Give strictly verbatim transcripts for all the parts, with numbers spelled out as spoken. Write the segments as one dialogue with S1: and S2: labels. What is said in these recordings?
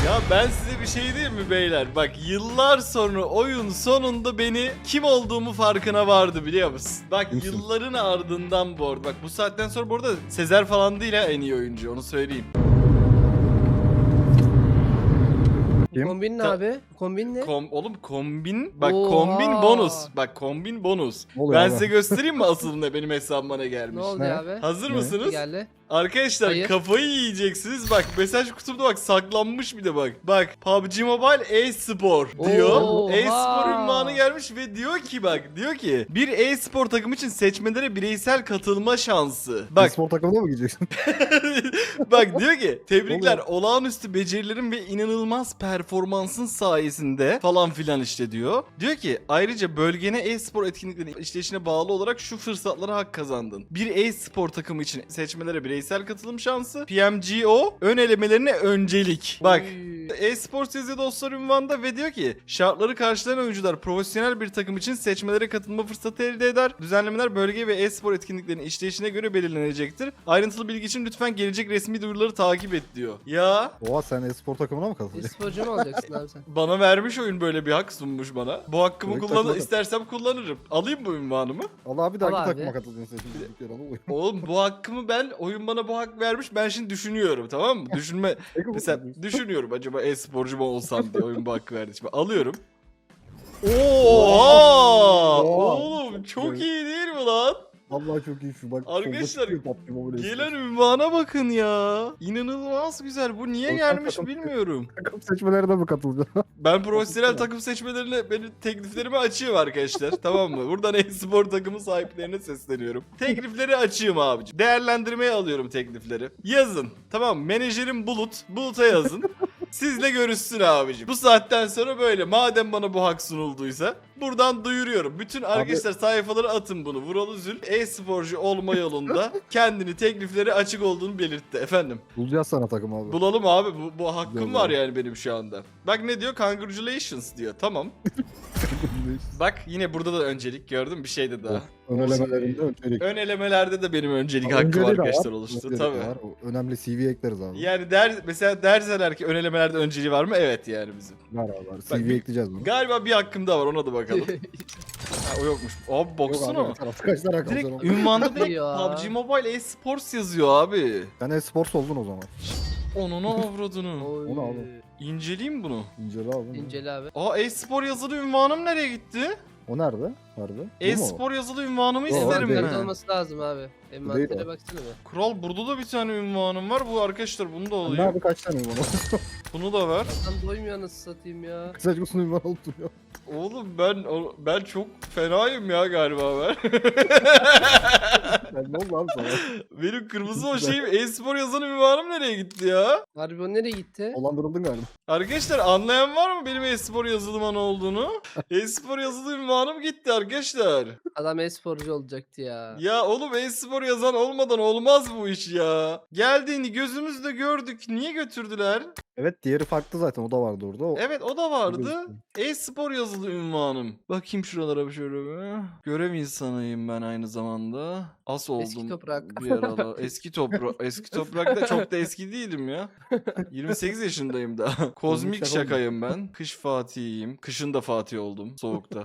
S1: Ya ben size bir şey diyeyim mi beyler? Bak yıllar sonra oyun sonunda beni kim olduğumu farkına vardı biliyor musun? Bak
S2: Kimsin?
S1: yılların ardından bu arada. Bak bu saatten sonra bu arada Sezer falan değil ha en iyi oyuncu, onu söyleyeyim.
S2: Kim?
S3: Kombin ne
S1: Ta-
S3: abi? Kombin ne?
S1: Kom oğlum kombin bak
S3: Oha.
S1: kombin bonus. Bak kombin bonus.
S2: Ne oluyor
S1: Ben
S2: abi?
S1: size göstereyim mi asıl ne benim hesabıma ne gelmiş?
S3: Ne oldu
S2: Ne?
S3: abi?
S1: Hazır
S2: Ne?
S1: mısınız?
S3: Geldi.
S1: Arkadaşlar
S3: Hayır.
S1: kafayı yiyeceksiniz. Bak mesaj kutumda bak saklanmış bir de bak. Bak P U B G Mobile e-spor diyor.
S3: Oha.
S1: E-spor ünvanı gelmiş ve diyor ki bak diyor ki bir e-spor takım için seçmelere bireysel katılma şansı. Bak
S2: Spor takımına mı gideceksin?
S1: bak diyor ki tebrikler
S2: Oluyor.
S1: olağanüstü becerilerin ve inanılmaz performansın sayesinde falan filan işte diyor. Diyor ki ayrıca bölgene e-spor etkinliklerinin işleyişine bağlı olarak şu fırsatlara hak kazandın. Bir e-spor takımı için seçmelere bireysel katılım şansı, P M G O ön elemelerine öncelik. Bak
S3: Oy.
S1: e-sports yazıyor dostlar ünvanda ve diyor ki şartları karşılayan oyuncular profesyonel bir takım için seçmelere katılma fırsatı elde eder. Düzenlemeler bölge ve e-spor etkinliklerinin işleyişine göre belirlenecektir. Ayrıntılı bilgi için lütfen gelecek resmi duyuruları takip et diyor. Ya
S2: Oha sen e-spor takımına mı katılacaksın?
S3: E-sporcu mu olacaksın abi sen?
S1: bana vermiş oyun böyle bir hak sunmuş bana. Bu hakkımı
S2: Evet,
S1: kullan
S2: takılalım.
S1: istersem kullanırım. Alayım bu ünvanımı.
S2: Allah abi de
S3: Al
S2: hangi
S3: abi.
S2: takıma katılacaksın sen şimdi? Bir kere oluyor.
S1: Oğlum bu hakkımı ben oyun bana bu hak vermiş. Ben şimdi düşünüyorum tamam mı? Düşünme
S2: Peki bu-
S1: mesela düşünüyorum acaba e-sporcu mu olsam diye oyun bu hakkı verdi. Şimdi alıyorum. Oha!
S2: Oha!
S1: Oğlum çok iyi değil mi lan?
S2: Vallahi çok iyi şu bak.
S1: Arkadaşlar,
S2: solda çıkıyor P U B G Mobile
S1: Gelen
S2: e-spor.
S1: ünvana bakın ya. İnanılmaz güzel. Bu niye
S2: Korkan
S1: gelmiş
S2: takım-
S1: bilmiyorum.
S2: Takım seçmelerine mi katılacaksın?
S1: Ben profesyonel takım seçmelerine benim tekliflerimi açayım arkadaşlar. Tamam mı? Buradan e-spor takımı sahiplerine sesleniyorum. Teklifleri açayım abicim. Değerlendirmeye alıyorum teklifleri. Yazın. Tamam mı? Menajerim Bulut. Bulut'a yazın. Sizle görüşsün abicim. Bu saatten sonra böyle. Madem bana bu hak sunulduysa buradan duyuruyorum. Bütün arkadaşlar sayfaları atın bunu. Vuralı Zül e-sporcu olma yolunda kendini teklifleri açık olduğunu belirtti. Efendim.
S2: Bulacağız sana takım abi.
S1: Bulalım abi. Bu, bu hakkım
S2: Güzel
S1: var
S2: abi.
S1: yani benim şu anda. Bak ne diyor? Congratulations diyor. Tamam. Bak yine burada da öncelik gördüm bir şeyde daha.
S2: Ön elemelerinde öncelik.
S1: Ön elemelerde de benim öncelik
S2: Ama
S1: hakkım
S2: önceliği de
S1: arkadaşlar
S2: var,
S1: oluştu.
S2: önceliği de
S1: Tabii.
S2: var. O önemli C V ekleriz abi.
S1: Yani der, mesela derseler ki ön elemelerde önceliği var mı? Evet yani bizim.
S2: Var abi var.
S1: Bak,
S2: C V
S1: bir-
S2: ekleyeceğiz bunu.
S1: Galiba bir hakkım daha var ona da bakalım. Ha, o yokmuş. Abi
S2: Yok
S1: baksana.
S2: abi, bir tarafta kaç tane rakam
S1: Direkt
S2: sen o?
S1: ünvanda direkt
S3: Ya.
S1: P U B G Mobile e-sports yazıyor abi.
S2: Sen e-sports oldun o zaman.
S1: Onun avradını.
S3: Oy.
S2: Onu abi.
S1: İnceleyeyim bunu.
S2: İncele abi.
S3: İncele abi.
S1: Aa e-spor yazılı ünvanım nereye gitti?
S2: O nerede? Harbi. Bu mu?
S1: E-spor yazılı ünvanımı
S2: Yok,
S1: isterim
S2: değil.
S3: Envanterde
S1: ben.
S3: olması lazım abi.
S2: değil
S3: Envantere
S2: o.
S3: baksana be.
S1: Kral burada da bir tane ünvanım var. Bu arkadaşlar bunu da
S2: Sen
S1: alayım.
S2: Nerede kaç tane ünvan oldu?
S1: Bunu da ver.
S3: Adam doymuyor nasıl satayım ya.
S2: Saçma sapan ünvan olup duruyor.
S1: Oğlum ben o- ben çok fenayım ya galiba ben.
S2: Ben ne oldu abi sana?
S1: Benim kırmızı o şeyim e-spor yazan ünvanım nereye gitti ya?
S3: Harbi o nereye gitti?
S2: Dolandırıldın galiba.
S1: Arkadaşlar anlayan var mı benim e-spor yazılıma ne olduğunu? E-spor yazılı ünvanım gitti arkadaşlar.
S3: Adam e-sporcu olacaktı ya.
S1: Ya oğlum e-spor yazan olmadan olmaz bu iş ya. Geldiğini gözümüzle gördük. Niye götürdüler?
S2: Evet diğeri farklı zaten o da vardı orada. O...
S1: Evet o da vardı.
S2: Gözüküyor.
S1: E-spor yazılı ünvanım. Bakayım şuralara bir şöyle bir. Görev insanıyım ben aynı zamanda. As oldum.
S3: Eski toprak.
S1: Bir arada. Eski toprak. Eski toprakta çok da eski değilim ya. yirmi sekiz yaşındayım da. Kozmik
S2: şaka
S1: şakayım ben. Kış Fatih'iyim. Kışın da Fatih oldum. Soğukta.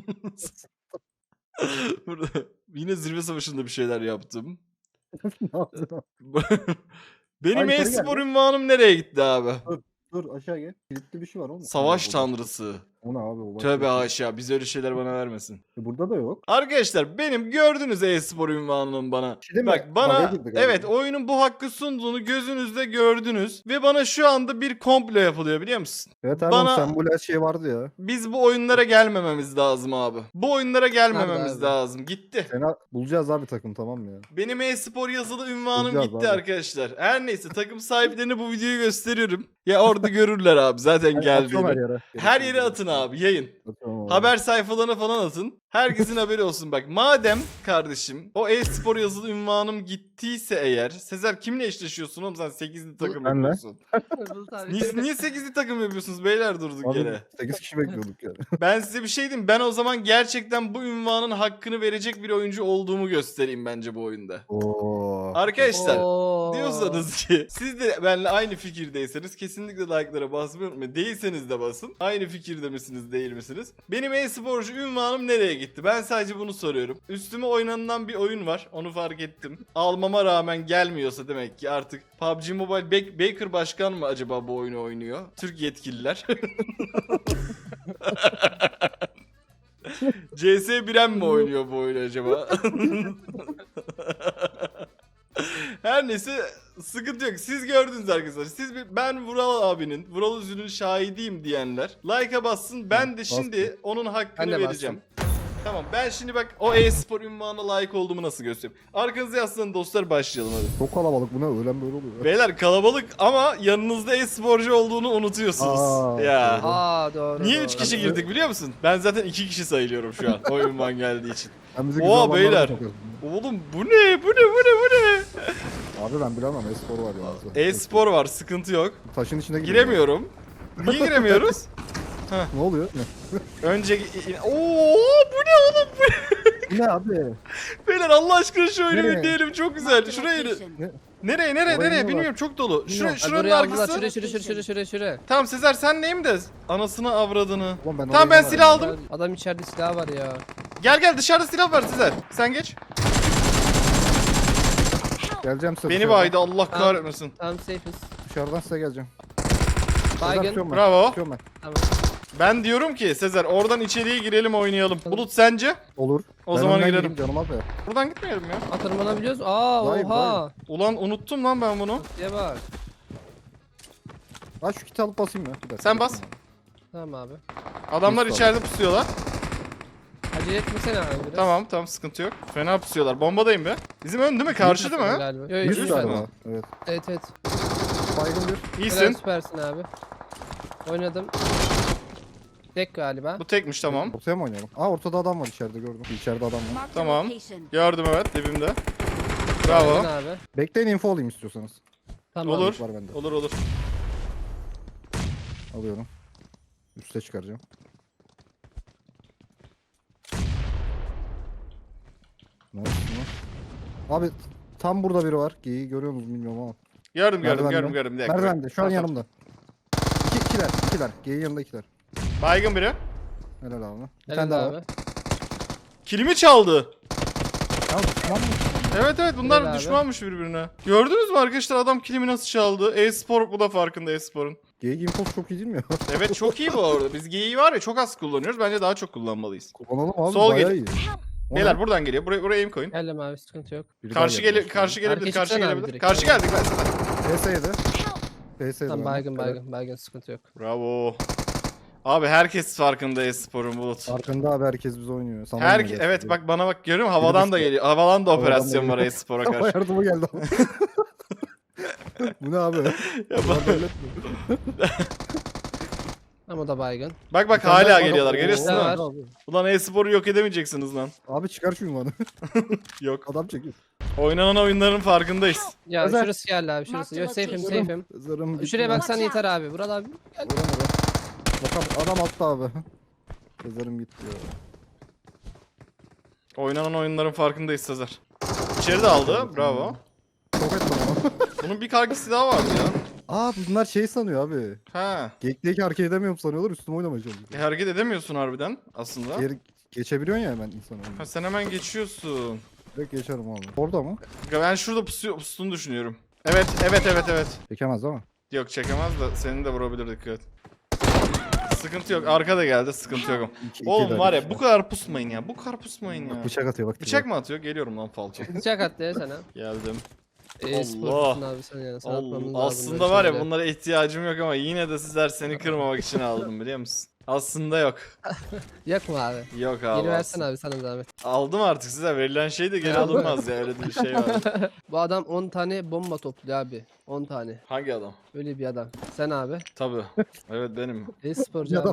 S1: Burada yine zirve savaşında bir şeyler yaptım.
S2: Ne yaptın?
S1: Benim
S2: Ay, yukarı
S1: e-spor
S2: gel.
S1: ünvanım nereye gitti abi?
S2: Dur aşağı gel. Kilitli bir şey var oğlum.
S1: Savaş
S2: O-
S1: tanrısı.
S2: O ne abi? O başka
S1: Tövbe
S2: bir şey.
S1: haşa. Bize öyle şeyler bana vermesin.
S2: E, Burada da yok.
S1: Arkadaşlar benim gördüğünüz e-spor ünvanının bana.
S2: şey değil mi?
S1: Bak bana
S2: Araya girdik abi.
S1: evet oyunun bu hakkı sunduğunu gözünüzde gördünüz. Ve bana şu anda bir komplo yapılıyor biliyor musun?
S2: Evet abi
S1: Bana-
S2: sen bu her şey vardı ya.
S1: Biz bu oyunlara gelmememiz lazım abi. Bu oyunlara gelmememiz
S3: abi?
S1: lazım. Gitti.
S2: Seni bulacağız abi takım tamam mı ya?
S1: Benim e-spor yazılı ünvanım
S2: Bulacağız
S1: gitti
S2: abi.
S1: arkadaşlar. Her neyse takım sahiplerine bu videoyu gösteriyorum. Ya orada görürler abi zaten
S2: Atıyorum her
S1: geldiğini.
S2: yere.
S1: Her yere atın abi yayın.
S2: Atıyorum abi.
S1: Haber sayfalarına falan atın. Herkesin haberi olsun. Bak madem kardeşim o e-spor yazılı ünvanım gittiyse eğer. Sezer kimle eşleşiyorsun oğlum sen sekizli takım
S2: Benle.
S1: yapıyorsun.
S3: Bulut abi.
S1: Niye, niye sekizli takım yapıyorsunuz beyler durduk
S2: Abi,
S1: yere?
S2: sekiz kişi bekliyorduk yani.
S1: Ben size bir şey diyeyim. Ben o zaman gerçekten bu ünvanın hakkını verecek bir oyuncu olduğumu göstereyim bence bu oyunda.
S2: Oo.
S1: Arkadaşlar
S3: Oo. Oo.
S1: diyorsanız ki siz de benimle aynı fikirdeyseniz kesinlikle like'lara basmayı unutmayın. Değilseniz de basın. Aynı fikirde misiniz değil misiniz? Benim e-sporcu ünvanım nereye gitti? Ben sadece bunu soruyorum. Üstüme oynanılan bir oyun var. Onu fark ettim. Almama rağmen gelmiyorsa demek ki artık P U B G Mobile Bak- Baker Başkan mı acaba bu oyunu oynuyor? Türk yetkililer. C S Biren mi oynuyor bu oyunu acaba? Her neyse sıkıntı yok. Siz gördünüz arkadaşlar. Siz bir, ben Vural abinin, Vural Üzül'ün şahidiyim diyenler like'a bassın. Ben de şimdi onun hakkını
S3: Ben de
S1: vereceğim. Tamam ben şimdi bak o e-spor ünvanına layık olduğumu nasıl göstereyim. Arkanıza yaslanın dostlar, başlayalım hadi.
S2: Çok kalabalık bu ne? Öğlen böyle oluyor.
S1: Beyler kalabalık ama yanınızda e-sporcu olduğunu unutuyorsunuz.
S2: Aa,
S1: ya.
S2: doğru.
S3: Aa doğru.
S1: Niye
S3: doğru.
S1: üç kişi girdik biliyor musun? Ben zaten iki kişi sayılıyorum şu an o ünvan geldiği için.
S2: Sen bizi
S1: Oo,
S2: güzel alanlara
S1: beyler.
S2: sokuyorsun.
S1: Oğlum bu ne? Bu ne? Bu ne? Bu ne?
S2: Abi ben bilemem. E-spor var ya.
S1: E-spor var, sıkıntı yok.
S2: Taşın içine giriyor.
S1: Giremiyorum. Niye giremiyoruz?
S2: Ne oluyor? Ne?
S1: Önce... Oo bu ne oğlum? Bu
S2: Bu ne abi?
S1: Beyler Allah aşkına şu oyunu
S2: Nereye?
S1: bir diyelim, çok güzel. Şuraya inin.
S2: Ne?
S1: Nereye nereye
S2: Oraya
S1: nereye
S2: ne
S1: bilmiyorum, çok dolu. Şuraya,
S3: Ay,
S1: şuranın
S3: buraya aldılar.
S1: arkası.
S3: Şuraya şuraya şuraya şuraya şuraya şuraya.
S1: Tamam Sezer sen neyim de anasını avradını.
S2: Ulan ben
S1: Tamam
S2: oraya
S1: ben
S2: giremem.
S1: silah aldım.
S3: Adam içeride silah var ya.
S1: Gel gel dışarıda silah var Sezer. Sen geç.
S2: Geleceğim size.
S1: Beni
S2: dışarıdan.
S1: baydı Allah kahretmesin.
S3: Tamam safe'iz.
S2: Dışarıdan size geleceğim.
S3: Baygın.
S2: Tutuyorum ben.
S1: Bravo.
S2: Tutuyorum ben.
S3: Tamam.
S1: Ben diyorum ki Sezer oradan içeriye girelim oynayalım. Bulut sence?
S2: Olur.
S1: O
S2: Ben
S1: zaman
S2: önden
S1: girelim.
S2: gireyim canım abi.
S1: Buradan gitmeyelim ya.
S3: Atırmanabiliyoruz. Aa
S2: Vay,
S3: oha.
S1: Ulan unuttum lan ben bunu.
S3: Diye bak.
S2: Ha şu kiti alıp basayım ya. Bir dakika.
S1: Sen bas.
S3: Tamam abi.
S1: Adamlar
S2: Biz
S1: içeride pusuyorlar.
S3: Acele etmesene abi biraz.
S1: Tamam tamam sıkıntı yok. Fena pusuyorlar. Bombadayım be. Bizim ön değil mi? Karşı değil mi?
S3: Galiba. Yo, yo,
S2: Yüz
S1: Yüz
S3: lütfen.
S2: tane
S1: mü?
S2: var. Evet.
S3: Evet evet.
S2: Baygın bir.
S3: Helal,
S1: İyisin.
S3: süpersin abi. Oynadım. Tek galiba.
S1: Bu tekmiş tamam.
S2: Ortaya mı oynayalım? Aa ortada adam var içeride gördüm. İçeride adam var.
S1: Tamam.
S4: Tamam.
S1: Gördüm evet dibimde. Bravo.
S3: Baygın abi.
S2: Bekleyin info alayım istiyorsanız.
S3: Tamam.
S1: Olur.
S2: Var bende.
S1: Olur olur.
S2: Alıyorum. Üste çıkaracağım. Ne oldu lan? Abi tam burada biri var. Geyiği görüyor musunuz bilmiyorum ama.
S1: Gördüm gördüm
S2: Merdivende.
S1: gördüm gördüm. Bir dakika.
S2: Merdivende şu an
S1: Tamam,
S2: yanımda. İki, ikiler, ikiler. Geyiğin yanında ikiler.
S1: tamam. Baygın biri.
S2: Helal abi. Bir
S3: Helal
S2: tane daha
S3: abi.
S2: var.
S1: Kilimi çaldı.
S2: Ya, tamam mı?
S1: Evet evet bunlar
S3: Helal abi.
S1: düşmanmış birbirine. Gördünüz mü arkadaşlar adam kilimi nasıl çaldı? E-spor bu da farkında e-sporun.
S2: Geyik infosu çok iyi değil mi ya?
S1: Evet çok iyi bu arada. Biz geyiği var ya çok az kullanıyoruz. Bence daha çok kullanmalıyız.
S2: Kullanalım abi.
S1: Sol
S2: bayağı
S1: gel-
S2: iyi. O
S1: Beyler
S2: ne?
S1: buradan geliyor. Buraya, buraya aim koyun.
S3: Geldim abi sıkıntı yok.
S2: Biri daha
S1: Karşı
S2: geldi
S1: gele
S2: başka.
S1: karşı gelebilir.
S3: Herkes
S1: Karşı
S3: çıksana abi
S1: gelebilir.
S3: direkt.
S1: Karşı
S3: Tamam.
S1: geldik ben sana.
S2: P S yedi. P S yedi.
S3: Tamam
S2: bende.
S3: baygın
S2: Evet.
S3: baygın baygın sıkıntı yok.
S1: Bravo. Abi herkes farkında e-sporun Bulut.
S2: Farkında abi herkes biz oynuyor. Sana
S1: Her
S2: oynuyor
S1: evet
S2: gerçekten.
S1: bak bana bak görüyor musun? Havadan da
S2: düştü.
S1: geliyor. Havadan da
S2: Havadan
S1: operasyon
S2: da
S1: var
S2: geliyor.
S1: e-spora
S2: Hava
S1: karşı.
S2: yardımı geldi ama. Bu ne abi?
S1: Ya
S2: Bunlar
S1: bak-
S2: devlet mi?
S3: Ama o da baygın.
S1: Bak bak
S2: Bir tane daha
S1: hala
S2: var.
S1: geliyorlar
S2: Oo,
S1: görüyorsun değil mi?
S3: var.
S2: abi.
S1: Ulan e-sporu yok edemeyeceksiniz lan.
S2: Abi çıkar şu ünvanı.
S1: Yok.
S2: Adam çekiyor.
S1: Oynanan oyunların farkındayız.
S3: Ya
S2: Özel.
S3: şurası geldi abi şurası. Yo safe'im
S4: Location.
S3: safe'im.
S2: Zarım gitti.
S3: Şuraya
S2: lan.
S3: baksan yeter abi. Vural abi.
S2: Vuramadı. Bak adam attı abi. Zarım gitti ya.
S1: Oynanan oyunların farkındayız Sezer. İçeri de aldı. Bravo.
S2: Çok ettim ama.
S1: Bunun bir kargısı daha vardı ya.
S2: Aa bunlar şey sanıyor abi.
S1: Ha.
S2: Geek'teki hareket edemiyorum sanıyorlar üstüme oynamaya çalışıyor.
S1: E, hareket edemiyorsun harbiden aslında.
S2: Geri geçebiliyorsun ya hemen insan
S1: Ha,
S2: oyunu.
S1: sen hemen geçiyorsun.
S2: Direkt geçerim abi. Orada mı?
S1: Ben şurada pusuyor, pustuğunu düşünüyorum. Evet, evet, evet, evet.
S2: Çekemez ama.
S1: Yok çekemez de seni de vurabilir dikkat. Sıkıntı yok. Arka da geldi. Sıkıntı yok.
S2: İki, iki
S1: Oğlum
S2: de
S1: var ya
S2: işte.
S1: bu kadar pusmayın ya. Bu kadar pusmayın ya.
S2: Bıçak atıyor bak.
S1: Bıçak mı atıyor? Geliyorum lan falço.
S3: Bıçak attı ya sana.
S1: Geldim.
S3: E, sporcusun abi sen yani. Sana atmamız
S1: Allah.
S3: lazım
S1: Aslında
S3: böyle
S1: var ya
S3: şeyleri.
S1: bunlara ihtiyacım yok ama yine de sizler seni kırmamak için aldım biliyor musun? Aslında yok.
S3: Yok mu abi?
S1: Yok abi.
S3: Geri versen
S1: aslında.
S3: abi sana zahmet.
S1: Aldım artık size. Verilen şey de geri
S3: Aldın mı?
S1: alınmaz ya. Öyle bir şey var.
S3: Bu adam on tane bomba topluyor abi. on tane.
S1: Hangi adam?
S3: Öyle bir adam. Sen abi.
S1: Tabii. Evet benim.
S3: E-sporcu
S2: Ya
S3: abi.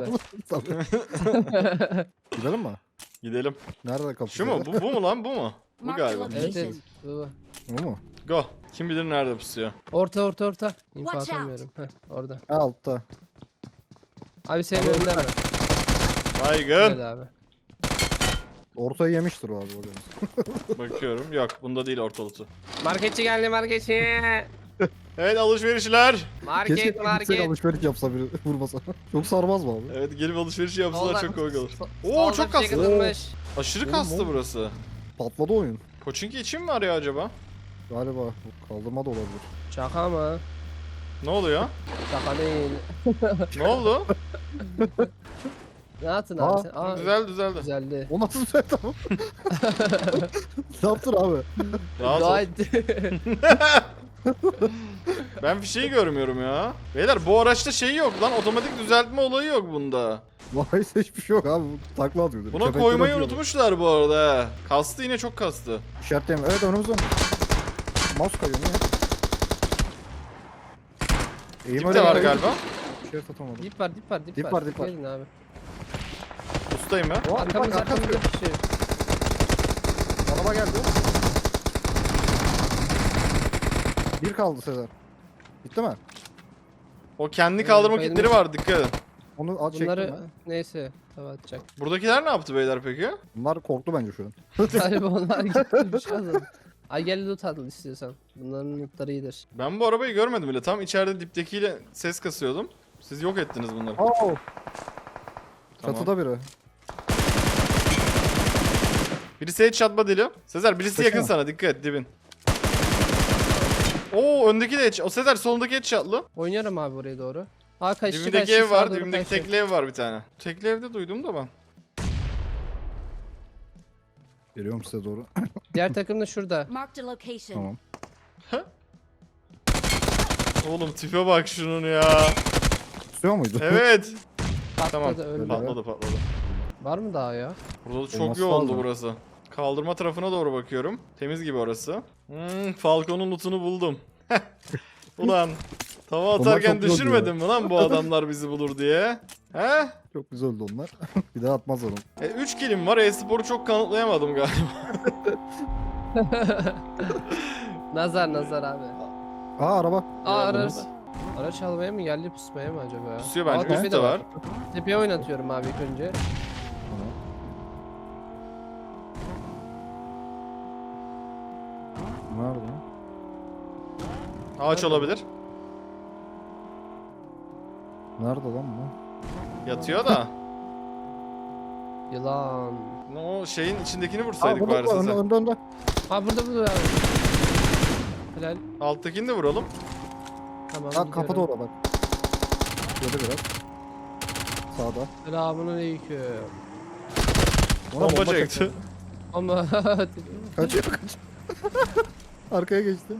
S2: Gidelim mi?
S1: Gidelim.
S2: Nerede kapı?
S1: Şu mu? Bu, bu mu lan? Bu mu? Bu galiba.
S3: Evet evet. Bu.
S2: Bu mu?
S1: Go. Kim bilir nerede pusuyor.
S3: Orta orta orta. İnfo
S4: Watch out.
S3: atamıyorum. Heh, orada.
S2: Ha altta.
S3: Abi senin önünde mi?
S1: Baygın.
S3: Gel abi.
S2: Ortayı yemiştir o abi o deniz.
S1: Bakıyorum. Yok bunda değil ortalığı.
S3: Marketçi geldi marketçi.
S1: Evet alışverişler.
S2: Keşke
S3: Market
S2: gitsek
S3: market.
S2: alışveriş yapsa biri vurmasa. Çok sarmaz mı abi?
S1: Evet gelip alışveriş yapsalar
S3: Solda-
S1: çok komik olur.
S3: so-
S1: Oo
S3: solda
S1: çok
S3: bir şey
S1: kastı.
S3: kırılmış.
S1: Aşırı
S2: Oğlum,
S1: kastı
S2: oğlum.
S1: burası.
S2: Patladı oyun.
S1: Koçinki için mi arıyor acaba?
S2: Galiba kaldırma da olabilir.
S3: Şaka mı?
S1: Ne oluyor?
S3: Şaka değil.
S1: Ne oldu?
S3: Ne yaptın
S2: Aa,
S3: abi sen? Aa,
S1: Düzeldi düzeldi.
S3: Güzeldi.
S2: O nasıl düzeldi ama? Ne yaptın abi?
S1: Rahat ol.
S3: Dua etti.
S1: Ben bir şey görmüyorum ya. Beyler bu araçta şey yok lan, otomatik düzeltme olayı yok bunda.
S2: Vay hiçbir şey yok abi. Bu takla atıyordu.
S1: Buna
S2: Köpekler
S1: koymayı
S2: atıyordu.
S1: unutmuşlar bu arada. he. Kastı yine çok kastı.
S2: İşaretleyeyim. Evet önümüzde. Mouse kayıyor ne? Eğim
S1: Dip
S2: öyle
S1: de var
S2: kayıyor.
S1: galiba.
S2: İşaret atamadım.
S3: Dip var dip var dip,
S2: Dip
S3: var.
S2: var, dip var.
S3: Gelin abi.
S1: Ustayım ya.
S2: Oha, bak,
S3: Arkamız
S2: arkamız
S3: arkamızda
S2: geliyor.
S3: bir şey.
S2: Araba geldi. Bir kaldı Sezer. Bitti mi?
S1: O kendi
S3: Ee,
S1: kaldırma
S3: bayılmış.
S1: kitleri var, dikkat edin.
S2: Onu at çektim
S3: Bunları
S2: ben.
S3: neyse tava atacak.
S1: Buradakiler ne yaptı beyler peki?
S2: Bunlar korktu bence şu an.
S3: Galiba onlar gitti bir şey oldu. Ay gel loot al istiyorsan. Bunların lootları iyidir.
S1: Ben bu arabayı görmedim bile. Tam içeride diptekiyle ses kasıyordum. Siz yok ettiniz bunları.
S2: Oo.
S1: Tamam.
S2: Çatıda biri.
S1: Birisi headshot badili. Sezer birisi
S2: Kaçıyor
S1: yakın
S2: mu?
S1: sana, dikkat et dibin. Oo öndeki de headshot. O Sezer solundaki headshotlı.
S3: Oynuyorum abi oraya doğru. Aa kaçtı
S1: Dibimdeki
S3: kaçtı.
S1: ev
S3: sağa
S1: var,
S3: doğru
S1: dibimdeki
S3: kaçtı.
S1: tekli ev var bir tane. Tekli evde duydum da ben.
S2: Geliyorum size doğru.
S3: Diğer takım da şurada.
S4: Marked a location.
S2: Tamam.
S1: Oğlum tipe bak şunun ya.
S2: Tutuyor muydu?
S1: Evet.
S3: Patladı
S1: Tamam.
S3: öldü.
S1: Patladı patladı.
S3: Var mı daha ya?
S1: Burada da çok
S2: Olması
S1: yoğundu
S2: lazım.
S1: burası. Kaldırma tarafına doğru bakıyorum. Temiz gibi orası. Hmm, Falcon'un lootunu buldum. Ulan tava
S2: Onlar
S1: atarken
S2: çok yoğundu
S1: düşürmedin mi lan bu adamlar bizi bulur diye? He?
S2: Çok güzel oldu onlar. Bir daha atmazlar onu.
S1: E, üç kilim var. E-sporu çok kanıtlayamadım galiba.
S3: Nazar nazar abi.
S2: Aa araba.
S3: Aa
S1: Ya,
S3: araç.
S1: bunu
S3: Araç almaya mı geldi pusmaya mı acaba?
S1: Pusuyor bence,
S3: Aa, tepe
S1: üstte
S3: de
S1: var.
S3: Tepeye oynatıyorum abi ilk önce.
S2: Tamam. Nerede lan?
S1: Ağaç olabilir.
S2: Nerede lan bu?
S1: Yatıyor da.
S3: Yılan.
S1: O şeyin içindekini
S2: Aa
S1: vursaydık
S2: burada
S1: bari
S2: burada önde
S1: size.
S2: önde önde.
S3: Ha burada burada abi. Helal.
S1: Alttakini de vuralım.
S3: Tamam.
S2: Ha kapıda
S3: gidiyorum.
S2: orada bak. Yedi biraz. Sağda.
S3: Selamünaleyküm.
S2: Ona
S1: Bomba
S2: bomba
S1: çekti.
S2: çekti.
S3: Ama
S2: Kaçıyor kaçıyor. Arkaya geçti.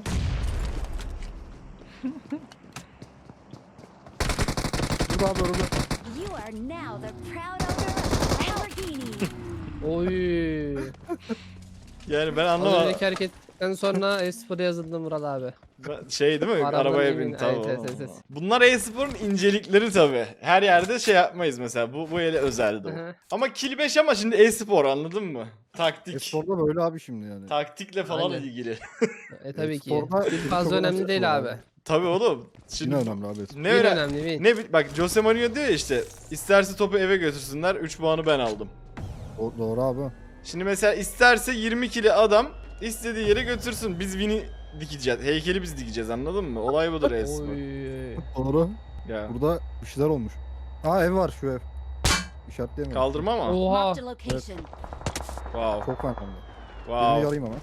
S2: Burada abi önümde.
S4: You are now the proud owner of a Lamborghini.
S3: oy.
S1: Yani ben
S3: Az
S1: anlamadım.
S3: önceki hareketten sonra e-spor yazıldı Murat abi.
S1: Ben- Şey değil mi?
S3: Arabanın
S1: Arabaya
S3: yemin-
S1: bin tamam.
S3: evet, evet, evet.
S1: Bunlar e-sporun incelikleri tabi. Her yerde şey yapmayız mesela. Bu bu ele özeldi
S3: Hı
S1: o.
S3: hı.
S1: Ama kill beş ama şimdi e-spor, anladın mı? Taktik.
S2: Espor'da böyle abi şimdi yani.
S1: Taktikle falan
S3: Aynen.
S1: ilgili.
S3: E tabii ki.
S2: E-sporda
S3: Bir fazla
S2: çok
S3: önemli
S2: önemli
S3: değil
S2: var
S3: abi.
S2: abi.
S1: Tabi oğlum.
S2: Yine
S1: Şimdi
S2: önemli abi.
S1: ne
S3: Bir
S1: öyle
S3: önemli değil.
S1: ne bi- bak Jose Mourinho diyor ya işte, isterse topu eve götürsünler, üç puanı ben aldım.
S2: Do- doğru abi.
S1: Şimdi mesela isterse yirmi kili adam istediği yere götürsün. Biz Win'i dikeceğiz. Heykeli biz dikeceğiz, anladın mı? Olay budur e-spor.
S3: Oy.
S2: Doğru.
S1: Ya.
S2: Burada bir şeyler olmuş. Aa ev var şu ev. İşaretleyemiyorum.
S1: Kaldırma mı?
S3: Oha.
S4: Marked a location.
S1: Wow.
S2: Çok önemli. Birini
S1: Wow.
S2: yarayım ama.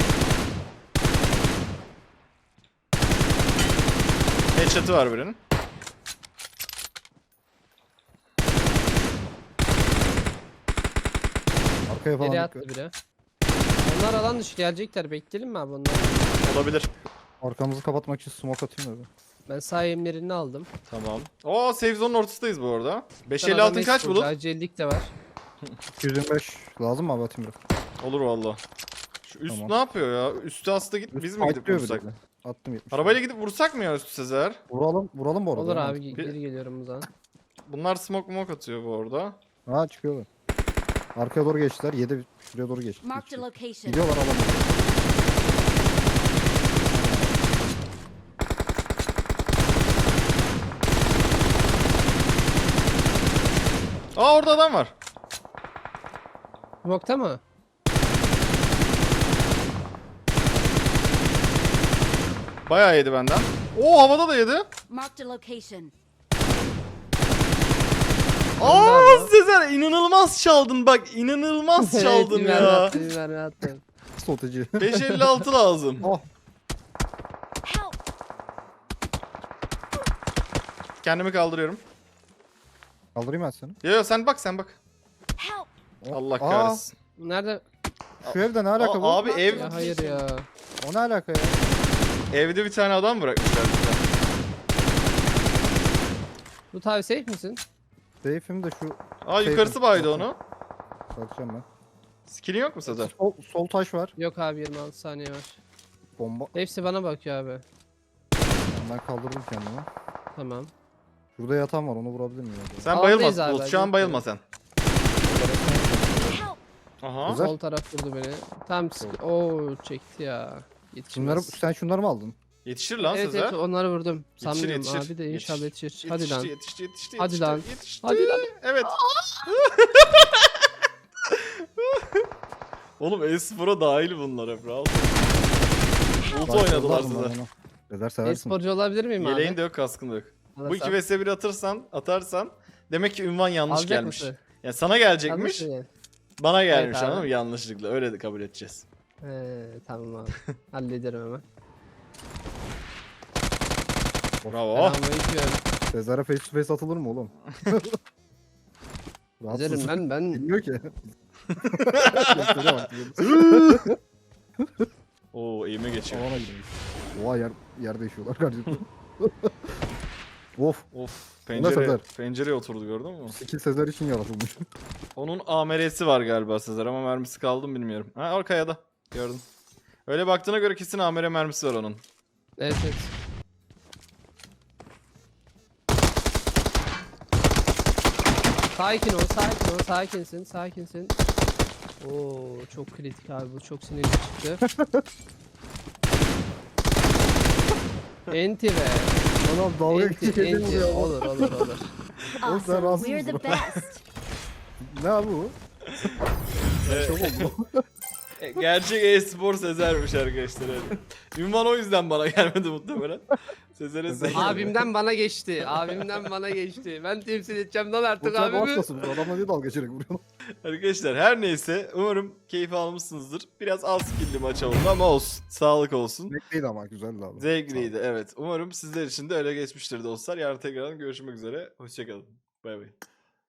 S1: Headshot'ı var birinin.
S2: Arkaya falan
S3: Nereye
S2: dikkat.
S3: attı biri? Onlar alan dışı gelecekler. Bekleyelim mi abi onları?
S1: Olabilir.
S2: Arkamızı kapatmak için smoke atayım da.
S3: Ben sağ elimlerini aldım.
S1: Tamam. Oo, safe zone'un ortasındayız bu arada. beş
S3: Sana
S1: elli
S3: da
S1: altın kaç
S3: Mesut,
S1: bulut?
S3: Acillik de var.
S2: iki yüz yirmi beş lazım mı abi atayım biraz?
S1: Olur valla. Şu üst
S2: Tamam.
S1: ne yapıyor ya? Üstü aslında git, biz mi gidip
S2: Fightlıyor bir
S1: vursak?
S2: de. Attım yetmiş.
S1: Arabayla gidip vursak mı ya üstü Sezer?
S2: Vuralım, vuralım bu arada.
S3: Olur
S2: ya.
S3: abi
S1: Bir-
S3: geri geliyorum o zaman.
S1: Bunlar smoke smoke atıyor bu arada.
S2: Ha çıkıyorlar. Arkaya doğru geçtiler. yedi şuraya doğru geçti.
S4: Marked a location.
S2: Gidiyorlar alalım.
S1: Aa orada adam var.
S3: Smoke'ta mı?
S1: Bayağı yedi benden. Oo havada da yedi.
S4: Marked a location.
S1: Aa
S3: abi.
S1: Sezer inanılmaz çaldın bak inanılmaz çaldın
S3: Evet, bir mermi
S1: ya.
S3: attım, bir mermi attım.
S2: Strateji.
S1: beş elli altı lazım.
S2: Oh.
S4: Help!
S1: Kendimi kaldırıyorum.
S2: Kaldırayım ben seni.
S1: Yo yo sen bak sen bak.
S4: Help!
S2: Oh.
S1: Allah
S2: Aa,
S1: kahretsin.
S3: Nerede?
S2: Şu evde ne alaka
S1: Aa,
S2: bu?
S1: abi ev
S3: Ya hayır ya.
S2: O ne alaka ya?
S1: evde bir tane adam bırakmışlar bize.
S3: Loot abi safe misin?
S2: Seyfim de şu
S1: Aa yukarısı
S2: Safe.
S1: baydı onu.
S2: satacağım ben.
S1: Skill'in yok mu Sezer?
S2: Sol, sol taş var.
S3: Yok abi yirmi altı saniye var.
S2: Bomba.
S3: Hepsi bana bakıyor abi.
S2: Ben kaldırdım kendimi.
S3: Tamam.
S2: Şurada yatan var onu vurabilir miyim? acaba?
S1: Sen
S3: Aldayız
S1: bayılma
S3: abi,
S1: Bulut. Şu an
S3: yok
S1: bayılma
S3: ya.
S1: sen.
S4: Help!
S1: Aha.
S2: Güzel.
S3: Sol taraf vurdu beni. Tam sık- Oo çekti ya.
S2: Şunları,
S3: Yetişmez.
S2: sen şunları mı aldın?
S1: Yetişir lan
S3: Evet
S1: Sezer.
S3: evet onları vurdum.
S1: Yetişir,
S3: Sanmıyorum
S1: yetişir.
S3: abi de inşallah
S1: Yetişir.
S3: yetişir. Hadi
S1: Yetişti,
S3: lan.
S1: Yetişti, yetişti,
S3: Hadi
S1: yetişti,
S3: lan.
S1: Yetişti.
S3: Hadi lan.
S1: Evet. Oğlum e-spora dahil bunlar hep rahat. Ulti oynadılar
S2: Başladılar mı
S1: size.
S2: bana? Sezer seversin.
S3: E-sporcu olabilir miyim abi?
S1: Yeleğin de yok kaskın da yok. Bu
S3: Alırsam.
S1: iki vs bir atırsan, atarsan demek ki ünvan yanlış
S3: Alacak
S1: gelmiş.
S3: mısın?
S1: Yani sana gelecekmiş,
S3: Yanlış mı?
S1: bana gelmiş
S3: abi.
S1: anladın mı? Yanlışlıkla. Öyle de kabul edeceğiz.
S3: He tamam abi. Hallederim hemen.
S1: Bravo.
S3: Selamünaleyküm.
S2: Sezer'e face to face atılır mı oğlum? Rahatsız.
S3: Üzerim ben ben.
S2: Bilmiyor ki. Gösteriyor bak.
S1: Oo eğime geçiyor.
S2: Havana gidiyor. Oha yer, yerde yaşıyorlar kardeşim. Of.
S1: Of
S2: Sezer.
S1: pencere, pencereye oturdu gördün mü?
S2: Skill Sezer için yaratılmış.
S1: Onun A M R'si var galiba Sezer ama mermisi kaldı mı bilmiyorum. Ha arkaya da gördüm. Öyle baktığına göre kesin A M R mermisi var onun.
S3: Evet evet. Sakin ol, sakin ol, sakinsin, sakinsin. Oo, çok kritik abi bu, çok sinirli çıktı. Enti be.
S2: Anam dalga
S3: Enti,
S2: geçecek
S3: enti.
S2: vuruyor.
S3: Olur, olur, olur.
S4: Awesome.
S2: rahatsız
S4: We're the
S2: mısın?
S4: best.
S2: Ne abi bu? Çok oldu.
S1: E, Gerçek e-spor Sezer'miş arkadaşlar. Evet. Ünvan o yüzden bana gelmedi muhtemelen. Sezer'e Sezer.
S3: Abimden bana geçti, abimden bana geçti. Ben temsil edeceğim lan
S2: Bu
S3: artık
S2: sen
S3: abimi.
S2: başlasın. Adamla niye dalga geçerek vuruyorsun?
S1: Arkadaşlar her neyse umarım keyif almışsınızdır. Biraz az skill'li maç oldu ama olsun. Sağlık olsun.
S2: Zevkliydi ama güzeldi abi.
S1: Zevkliydi evet. Umarım sizler için de öyle geçmiştir dostlar. Yarın tekrardan görüşmek üzere. Hoşçakalın. Bay bay.